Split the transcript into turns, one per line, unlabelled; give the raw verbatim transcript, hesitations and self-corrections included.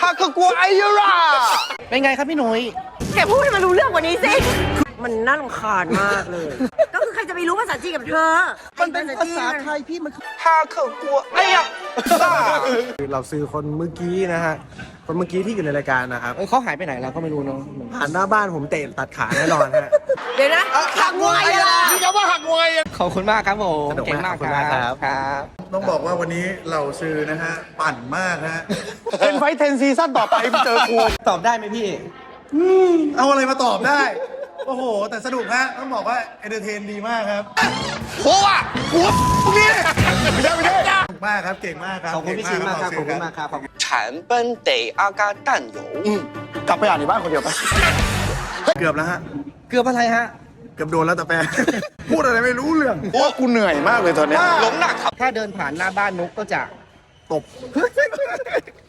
ฮากกัวไอยูราเป็นไงครับพี่หนุ่ย
แกพูดให้มันรู้เรื่องกว่านี้สิมันน่ารำคาญมากเลย ก็คือใครจะไปรู้ภาษาจีนกับเธอ
มันเป็นภาษาไทยพี่มันฮากัวไอ้ยะ
เราซื้อคนเมื่อกี้นะฮะคนเมื่อกี้ที่อยู่ในรายการนะครับ
เขาหายไปไหนแล้วก็ไม่รู้เนาะ
ผ่านหน้าบ้านผมเตะตัดขาแน่นอนฮะ
เดี๋ยวนะหักงวยอะไรล่ะ
นี่จะว่าหักงวยขอบคุณมากครับผมเก่งมากครับครับ
ต้องบอกว่าวันนี้เราซื้อนะฮะปั่นมากฮะ
เทนไฟเทนซีซั่นต่อไปเจอครูตอบได้ไหมพี่
เอาอะไรมาตอบได้ โอ้โห แต่สนุกฮะต้องบอกว่าเอนเตอร์เทนดีมากครับ
โอ้อะหัวนี่ไม่ได้ไม่ได้
สนุกมากครับเก่งมากครับ
ขอบคุณพี่ชินมากครับขอบคุณมากครับ
产本得阿嘎蛋油。
กลับไปอ่านในบ้านคนเดียวไป
เกือบแล้วฮะ
เกือบอะไรฮะ
เกือบโดนแล้วแต่แปร พูดอะไรไม่รู้เรื่อง
เพราะว่ากูเหนื่อยมากเลยตอนนี้
龙那卡
ถ้าเดินผ่านหน้าบ้านนุกก็จะตบ